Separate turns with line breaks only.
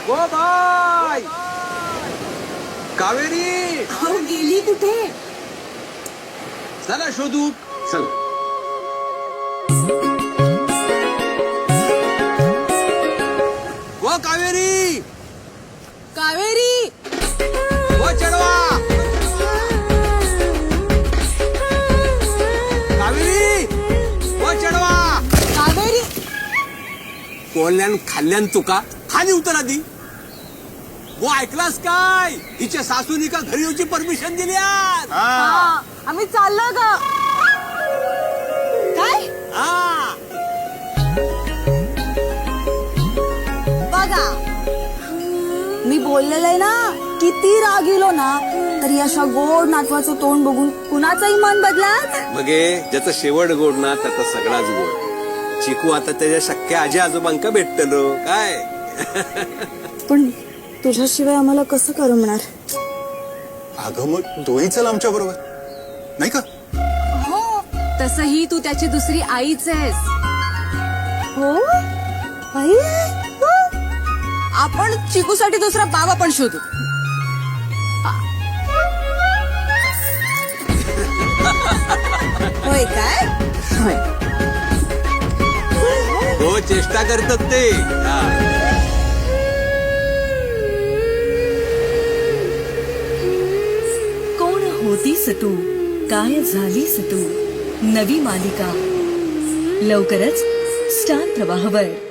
ओ bye Kaveri
अहो, गेली कुठे?
चला शोधू चल. ओ कावेरी
कावेरी
ओ चढवा कावेरी ओ चढवा.
कावेरी
कोल्ह्यान खाल्ल्यान तुका खाली उतर आधी. वो ऐकलास काय हिच्या सासूनी का घरी येऊची परमिशन दिली आज.
हा, आम्ही चाललो ग. काय
हा
बघा, मी बोललेलं आहे ना, किती राग येलो ना तरी अशा गोड नातवाचं तोंड बघून कुणाचाही मन बदलात.
बघे ज्याचा शेवट गोड ना त्याचा सगळाच गोड. चिकू आता त्याच्या शक्य आजी आजोबांका भेटतलो काय.
पण तुझ्याशिवाय आम्हाला कसं करमणार.
अगं मग तोही चल आमच्या बरोबर नाही का.
हो,
तसही तू त्याची दुसरी आईच आहेस.
हो आई, हो.
आपण चिकूसाठी दुसरा बाबा पण शोधू.
होय काय.
होय.
हो चेष्टा करतात ते. हा.
कोण होतीस तू, काय झालीस तू. नवी मालिका लवकरच स्टार प्रवाहवर.